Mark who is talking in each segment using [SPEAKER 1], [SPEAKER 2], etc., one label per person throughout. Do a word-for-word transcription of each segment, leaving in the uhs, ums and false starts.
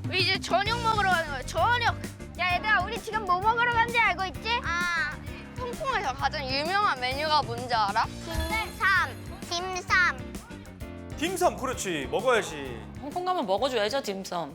[SPEAKER 1] 우리 이제 저녁 먹으러 가는 거야. 저녁. 야 얘들아, 우리 지금 뭐 먹으러 간지 알고 있지? 아, 홍콩에서 가장 유명한 메뉴가 뭔지 알아? 딤삼. 딤삼.
[SPEAKER 2] 딤섬 그렇지 먹어야지.
[SPEAKER 3] 홍콩 가면 먹어줘야죠, 딤섬.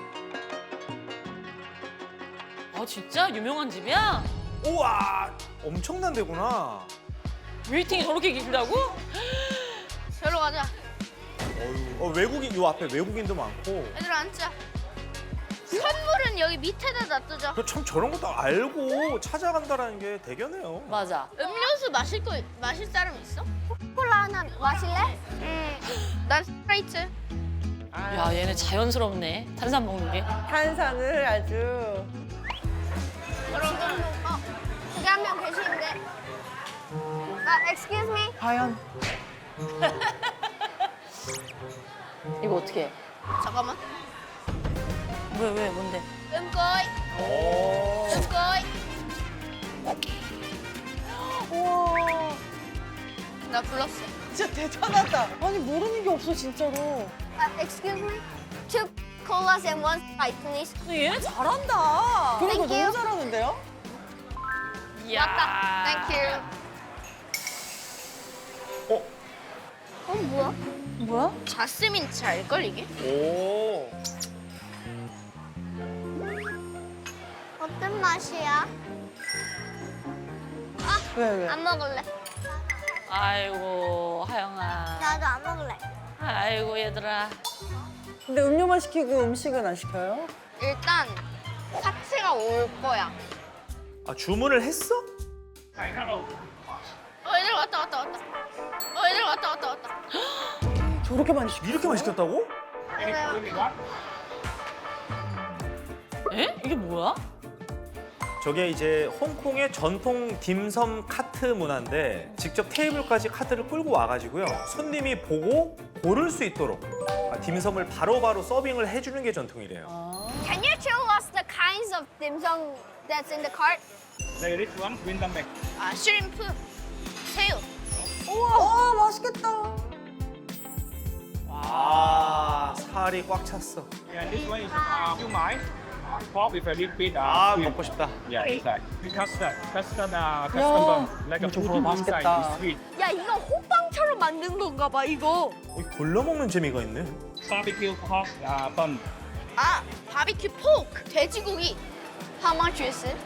[SPEAKER 3] 아, 진짜? 유명한 집이야?
[SPEAKER 2] 우와 엄청난 데구나.
[SPEAKER 3] 웨이팅이 저렇게 길다고?
[SPEAKER 1] 저로 가자.
[SPEAKER 2] 어휴, 어, 외국인 요 앞에 외국인도 많고.
[SPEAKER 1] 얘들아 앉자. 선물은 여기 밑에다 놔두자.
[SPEAKER 2] 그 참 저런 것도 알고 찾아간다라는 게 대견해요.
[SPEAKER 3] 맞아.
[SPEAKER 1] 음료수 마실 거 마실 사람 있어? 콜라 하나 마실래? 응. 난 스프라이트.
[SPEAKER 3] 야, 얘네 자연스럽네. 탄산 먹는 게.
[SPEAKER 4] 탄산을 아주.
[SPEAKER 1] 지금 어 저기 한 명 계시는데. 아, excuse me.
[SPEAKER 4] 과연.
[SPEAKER 3] 이거 어떻게 해?
[SPEAKER 1] 잠깐만.
[SPEAKER 3] 왜, 왜, 뭔데?
[SPEAKER 1] 음꼬이.
[SPEAKER 2] 오.
[SPEAKER 1] 음꼬이.
[SPEAKER 4] 우와.
[SPEAKER 1] 나 불렀어.
[SPEAKER 4] 진짜 대단하다. 아니 모르는 게 없어 진짜로.
[SPEAKER 1] 아, excuse me. Two colas and one Sprite, please.
[SPEAKER 3] 근데 얘네 잘한다.
[SPEAKER 4] 그리고
[SPEAKER 1] Thank you.
[SPEAKER 4] 너무 잘하는데요?
[SPEAKER 1] 맞다. Thank you.
[SPEAKER 2] 어?
[SPEAKER 1] 어, 뭐야?
[SPEAKER 4] 뭐야?
[SPEAKER 1] 자스민 차일걸, 이게?
[SPEAKER 2] 오.
[SPEAKER 1] 어떤 맛이야?
[SPEAKER 4] 왜 왜?
[SPEAKER 1] 안 먹을래.
[SPEAKER 3] 아이고, 하영아.
[SPEAKER 1] 나도 안 먹을래.
[SPEAKER 3] 아이고, 얘들아.
[SPEAKER 4] 근데 음료만 시키고 음식은 안 시켜요?
[SPEAKER 1] 일단 파츠가 올 거야.
[SPEAKER 2] 아 주문을 했어?
[SPEAKER 1] 어, 얘들 왔다, 왔다, 왔다. 어, 얘들 왔다, 왔다, 왔다.
[SPEAKER 4] 저렇게 많이 시켜?
[SPEAKER 2] 이렇게 많이 시켰다고?
[SPEAKER 3] 에? 이게 뭐야?
[SPEAKER 2] 저게 이제 홍콩의 전통 딤섬 카트 문화인데 직접 테이블까지 카트를 끌고 와가지고요 손님이 보고 고를 수 있도록 아, 딤섬을 바로바로 서빙을 해주는 게 전통이래요.
[SPEAKER 1] Can you show us the kinds of dim sum that's in the cart?
[SPEAKER 5] There is one winter bag.
[SPEAKER 1] 아, 슈림프, 새우.
[SPEAKER 4] 우와, 와 맛있겠다.
[SPEAKER 2] 아 살이 꽉 찼어.
[SPEAKER 5] Yeah, this one is uh, siu mai, pork with a little bit
[SPEAKER 2] 아
[SPEAKER 5] uh, sweet.
[SPEAKER 2] 먹고 싶다.
[SPEAKER 5] Yeah, inside. Custard, custard, uh, custard bomb, like a
[SPEAKER 4] 이거
[SPEAKER 5] pudding inside
[SPEAKER 4] 맛있겠다.
[SPEAKER 5] is sweet.
[SPEAKER 1] 야, 이거 호빵처럼 만든 건가 봐, 이거.
[SPEAKER 2] 어, 골라 먹는 재미가 있네.
[SPEAKER 5] Barbecue pork uh, bun.
[SPEAKER 1] 아, 바비큐 포크, 돼지고기. How much is it?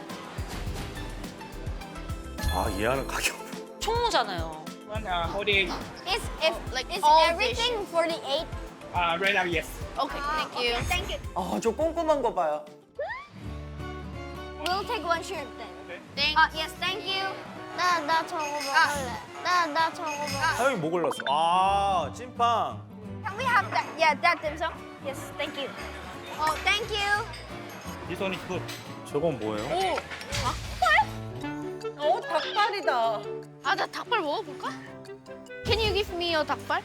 [SPEAKER 2] 아 이해하는 가격.
[SPEAKER 3] 총무잖아요.
[SPEAKER 5] One uh, forty-eight.
[SPEAKER 1] Is if like is
[SPEAKER 3] all
[SPEAKER 1] everything forty-eight?
[SPEAKER 5] Uh, right now, yes.
[SPEAKER 1] Okay, thank you. Thank you.
[SPEAKER 4] 아, 저 꼼꼼한 거 봐요.
[SPEAKER 1] We'll take one shrimp then. Thanks. 아, yes, thank you. 나, 나 저거 먹을래. 나, 나 저거 먹을래.
[SPEAKER 2] 하영이 뭐 골랐어? 아 찐빵.
[SPEAKER 1] Can we have that? Yeah, that dim sum. Yes, thank you. Oh, thank you.
[SPEAKER 5] This one is good.
[SPEAKER 2] 저건 뭐예요?
[SPEAKER 1] 오, 닭발?
[SPEAKER 4] 어, 닭발이다.
[SPEAKER 1] 아, 나 닭발 먹어볼까? Can you give me your 닭발?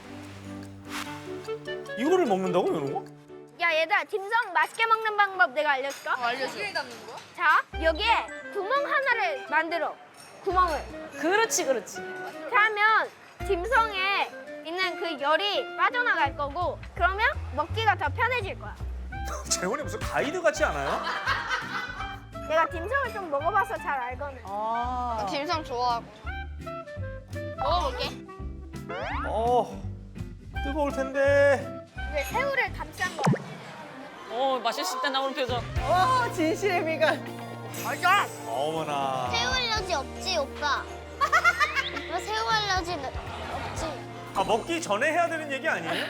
[SPEAKER 2] 이거를 먹는다고 이런 거?
[SPEAKER 1] 야, 얘들아, 딤섬 맛있게 먹는 방법 내가 알려줄까? 어, 알려줘. 어떻게 담는 거야? 자, 여기에 구멍 하나를 만들어. 구멍을.
[SPEAKER 3] 그렇지, 그렇지.
[SPEAKER 1] 그러면 딤섬에 있는 그 열이 빠져나갈 거고, 그러면 먹기가 더 편해질 거야.
[SPEAKER 2] 재원이 무슨 가이드 같지 않아요?
[SPEAKER 1] 내가 딤섬을 좀 먹어봐서 잘 알거든.
[SPEAKER 4] 아.
[SPEAKER 1] 딤섬 좋아하고. 먹어볼게.
[SPEAKER 2] 어 뜨거울 텐데.
[SPEAKER 1] 왜 새우를 감싼 거야?
[SPEAKER 3] 어, 맛있을 때 나오는 표정.
[SPEAKER 4] 와, 진실의 미간.
[SPEAKER 1] 맞아.
[SPEAKER 2] 어머나.
[SPEAKER 1] 새우 알러지 없지, 오빠? 오빠 새우 알러지 없지?
[SPEAKER 2] 아 먹기 전에 해야 되는 얘기 아니에요?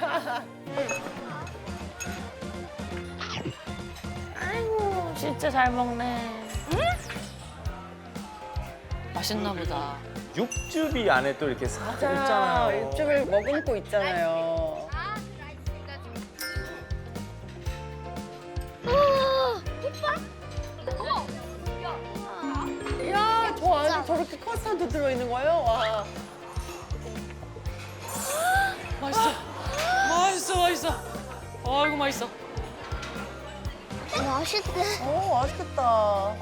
[SPEAKER 3] 아이고, 진짜 잘 먹네. 맛있나 보다.
[SPEAKER 2] 육즙이 안에 또 이렇게 싹
[SPEAKER 4] 자,
[SPEAKER 2] 있잖아요.
[SPEAKER 4] 육즙을 머금고 있잖아요.
[SPEAKER 1] 아, 오빠? 어.
[SPEAKER 4] 이야, 저 안에 저렇게 커스터드 들어있는 거예요? 와.
[SPEAKER 3] 맛있어. 맛있어, 맛있어. 아이고, 맛있어.
[SPEAKER 1] 맛있대.
[SPEAKER 4] 오, 맛있겠다.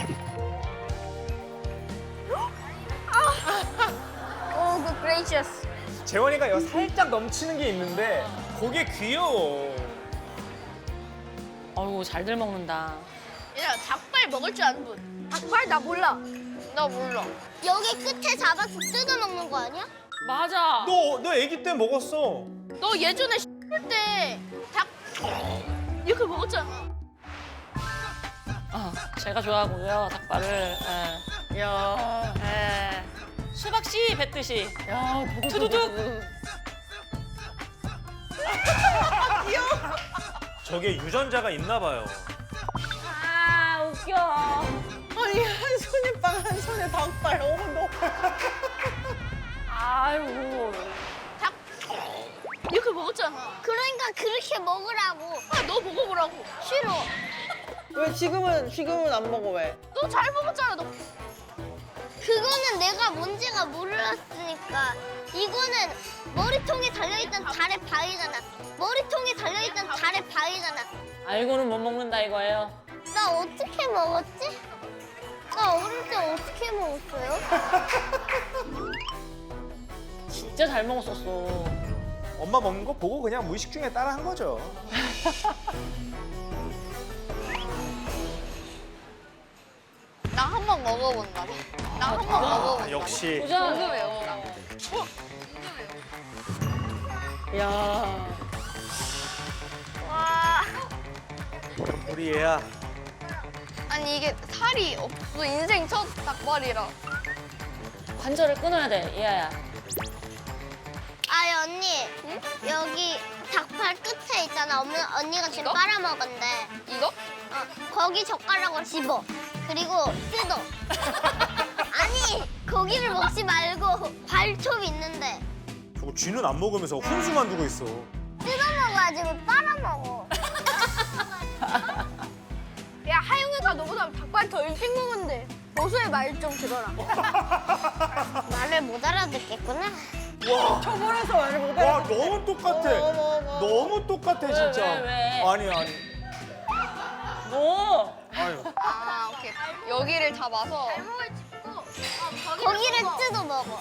[SPEAKER 1] 오, good gracious.
[SPEAKER 2] 재원이가 여 살짝 넘치는 게 있는데 그게 귀여워.
[SPEAKER 3] 아이고, 아이고 잘들 먹는다.
[SPEAKER 1] 얘들아 닭발 먹을 줄 아는 분. 닭발 나 몰라. 나 몰라. 여기 끝에 잡아서 뜯어 먹는 거 아니야?
[SPEAKER 3] 맞아.
[SPEAKER 2] 너, 너 아기 때 먹었어.
[SPEAKER 1] 너 예전에 때닭 이렇게 먹었잖아.
[SPEAKER 3] 아, 제가 좋아하고요 닭발을. 예.
[SPEAKER 4] 야,
[SPEAKER 3] 예. 수박씨 뱉듯이.
[SPEAKER 4] 야,
[SPEAKER 3] 투두둑.
[SPEAKER 2] 저게 유전자가 있나 봐요.
[SPEAKER 3] 아 웃겨.
[SPEAKER 4] 아니 한 손에 빵, 한 손에 닭발. 어머 너.
[SPEAKER 3] 아이고.
[SPEAKER 1] 닭 이렇게 먹었잖아. 그러니까 그렇게 먹으라고. 아, 너 먹어보라고. 싫어.
[SPEAKER 4] 왜 지금은 지금은 안 먹어 왜?
[SPEAKER 1] 너 잘 먹었잖아. 너. 그거는 내가 뭔지가 몰랐으니까. 이거는 머리통에 달려있던 달의 바위잖아. 머리통에 달려있던 달의 바위잖아.
[SPEAKER 3] 알고는 못 먹는다 이거예요.
[SPEAKER 1] 나 어떻게 먹었지? 나 어릴 때 어떻게 먹었어요?
[SPEAKER 3] 진짜 잘 먹었었어.
[SPEAKER 2] 엄마 먹는 거 보고 그냥 무의식 중에 따라 한 거죠.
[SPEAKER 1] 나 한 번 먹어본다. 나 한 번 먹어본다.
[SPEAKER 2] 아, 역시.
[SPEAKER 3] 도전.
[SPEAKER 1] 궁금해요.
[SPEAKER 4] 야,
[SPEAKER 1] 와.
[SPEAKER 2] 우리 얘야.
[SPEAKER 1] 아니 이게 살이 없어. 인생 첫 닭발이라.
[SPEAKER 3] 관절을 끊어야 돼 이하야.
[SPEAKER 1] 아니 언니, 여기 닭발 끝에 있잖아. 엄마, 언니가 지금
[SPEAKER 3] 이거?
[SPEAKER 1] 빨아먹은데. 이거? 어, 거기 젓가락으로 집어. 그리고 뜯어. 아니, 고기를 먹지 말고 발톱 있는데
[SPEAKER 2] 저거 쥐는 안 먹으면서 훈수만 두고 있어.
[SPEAKER 1] 뜯어먹어야지 왜 빨아먹어. 야, 하영이가 너보다 닭발 더 일찍 먹었는데 보수의 말 좀 들어라. 말을 못 알아듣겠구나.
[SPEAKER 2] 와,
[SPEAKER 4] 초벌해서 말을 못
[SPEAKER 2] 와
[SPEAKER 4] 알아듣겠어.
[SPEAKER 2] 너무 똑같아.
[SPEAKER 4] 어머, 어머.
[SPEAKER 2] 너무 똑같아 진짜.
[SPEAKER 3] 왜, 왜?
[SPEAKER 2] 아니 아니.
[SPEAKER 3] 뭐?
[SPEAKER 2] 아유.
[SPEAKER 1] 아, 오케이. 여기를 잡아서 거기를 뜯어 먹어.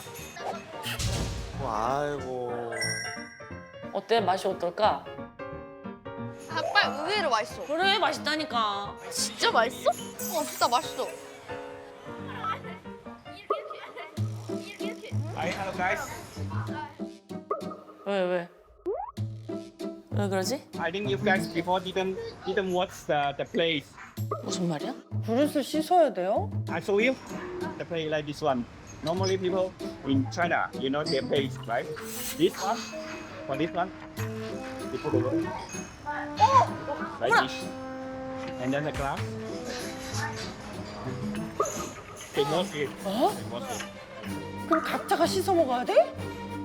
[SPEAKER 2] 아이고.
[SPEAKER 3] 어때 맛이 어떨까?
[SPEAKER 1] 닭발 의외로 맛있어.
[SPEAKER 3] 그래 맛있다니까.
[SPEAKER 1] 진짜 맛있어? 어, 진짜 맛있어.
[SPEAKER 5] Hi, hello guys.
[SPEAKER 3] 왜 왜? 왜 그러지?
[SPEAKER 5] I think you guys before didn't didn't watch the the plays.
[SPEAKER 3] 무슨 말이야?
[SPEAKER 4] 그릇을 씻어야 돼요?
[SPEAKER 5] I show you the play like this one. Normally people in China, you know their plays, right? This one, for this one, they put the water like this, and then the glass. They wash it.
[SPEAKER 4] 어?
[SPEAKER 5] They wash it.
[SPEAKER 4] 그럼 각자가 씻어 먹어야 돼?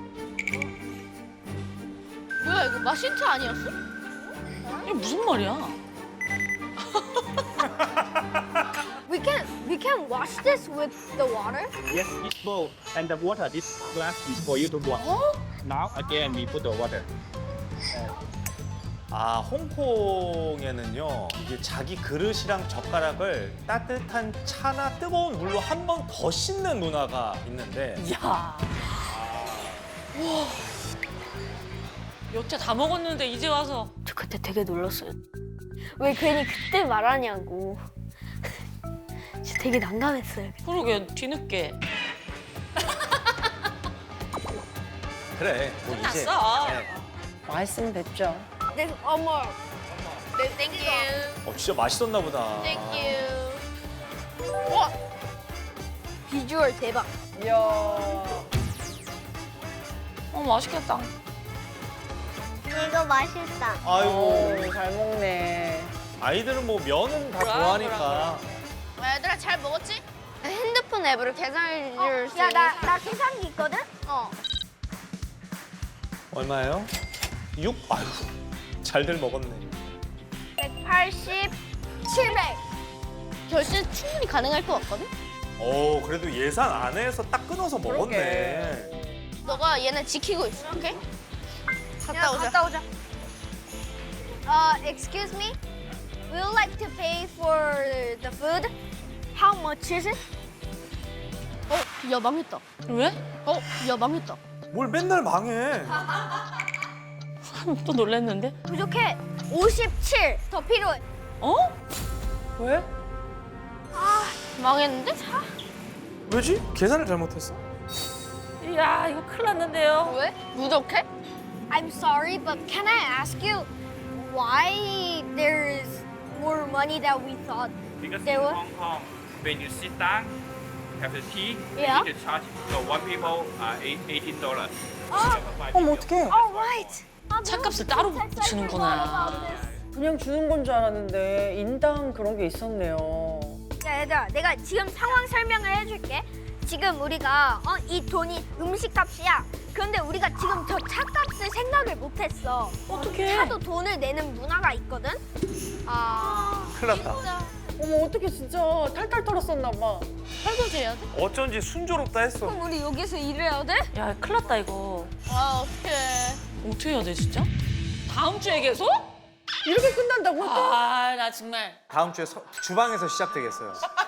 [SPEAKER 1] 뭐야, 이거 마신트 아니었어?
[SPEAKER 3] 이게 무슨 말이야?
[SPEAKER 1] We can we can wash this with the water.
[SPEAKER 5] Yes, this bowl and the water. This glass is for you to wash. Now again we put the water.
[SPEAKER 2] 아 홍콩에는요 이게 자기 그릇이랑 젓가락을 따뜻한 차나 뜨거운 물로 한 번 더 씻는 문화가 있는데
[SPEAKER 3] 이야. 와. 여태 다 먹었는데 이제 와서.
[SPEAKER 1] 저 그때 되게 놀랐어요. 왜 괜히 그때 말하냐고. 진짜 되게 난감했어요.
[SPEAKER 3] 그러게 뒤늦게.
[SPEAKER 2] 그래 뭐 이제
[SPEAKER 3] 끝났어.
[SPEAKER 2] 네.
[SPEAKER 4] 맛있으면 됐죠.
[SPEAKER 1] 네, 어머. 네, 땡큐.
[SPEAKER 2] 어 진짜 맛있었나 보다.
[SPEAKER 1] 땡큐. 와. 비주얼 대박.
[SPEAKER 4] 이야.
[SPEAKER 3] 어 맛있겠다.
[SPEAKER 1] 이거 맛있다.
[SPEAKER 2] 아이고
[SPEAKER 4] 오, 잘 먹네.
[SPEAKER 2] 아이들은 뭐 면은 다
[SPEAKER 3] 그럼,
[SPEAKER 2] 좋아하니까.
[SPEAKER 1] 얘들아 잘 먹었지? 핸드폰 앱으로 계산해 줄 수 있는. 야, 나, 나 계산기 있거든? 어.
[SPEAKER 2] 얼마예요? 육? 아이고 잘들 먹었네.
[SPEAKER 1] 백팔십, 칠백. 결제 충분히 가능할 것 같거든?
[SPEAKER 2] 오 그래도 예산 안에서 딱 끊어서 먹었네.
[SPEAKER 1] 너가 얘네 지키고 있어, 오케이? 갔다 오자. 갔다 오자. Uh, excuse me? We would like to pay for the food. How much is it? 어, 야 망했다.
[SPEAKER 3] 왜?
[SPEAKER 1] 어, 야 망했다.
[SPEAKER 2] 뭘 맨날 망해.
[SPEAKER 3] 또 놀랬는데?
[SPEAKER 1] 부족해. 오십칠. 더 필요해.
[SPEAKER 3] 어? 왜?
[SPEAKER 1] 망했는데? 사?
[SPEAKER 2] 왜지? 계산을 잘못했어?
[SPEAKER 3] 야 이거 큰일 났는데요.
[SPEAKER 1] 왜? 부족해? I'm sorry, but can I ask you why there's more money than we thought?
[SPEAKER 5] Because
[SPEAKER 1] There
[SPEAKER 5] in
[SPEAKER 1] were-
[SPEAKER 5] Hong Kong, when you sit down, have the tea,
[SPEAKER 1] Yeah.
[SPEAKER 5] you need to charge. So one people uh, eight, eighteen dollars.
[SPEAKER 4] 어머 어떡해.
[SPEAKER 1] Alright.
[SPEAKER 3] 차값을 따로 붙이는구나.
[SPEAKER 4] 그냥 주는 건 줄 알았는데 인당 그런 게 있었네요.
[SPEAKER 1] 야, 얘들아, 내가 지금 상황 설명을 해줄게. 지금 우리가 어, 이 돈이 음식값이야. 그런데 우리가 지금 저 차값을 생각을 못했어.
[SPEAKER 3] 어떡해.
[SPEAKER 1] 차도 돈을 내는 문화가 있거든. 아,
[SPEAKER 2] 큰일 났다.
[SPEAKER 1] 진짜.
[SPEAKER 4] 어머 어떡해 진짜 탈탈 털었었나 봐.
[SPEAKER 3] 설거지 해야 돼?
[SPEAKER 2] 어쩐지 순조롭다 했어.
[SPEAKER 1] 그럼 우리 여기서 일해야 돼?
[SPEAKER 3] 야 큰일 났다 이거.
[SPEAKER 1] 아, 어떡해.
[SPEAKER 3] 어떻게 해야 돼 진짜? 다음 주에 계속?
[SPEAKER 4] 이렇게 끝난다고 또?
[SPEAKER 3] 아 나 정말.
[SPEAKER 2] 다음 주에 서- 주방에서 시작되겠어요.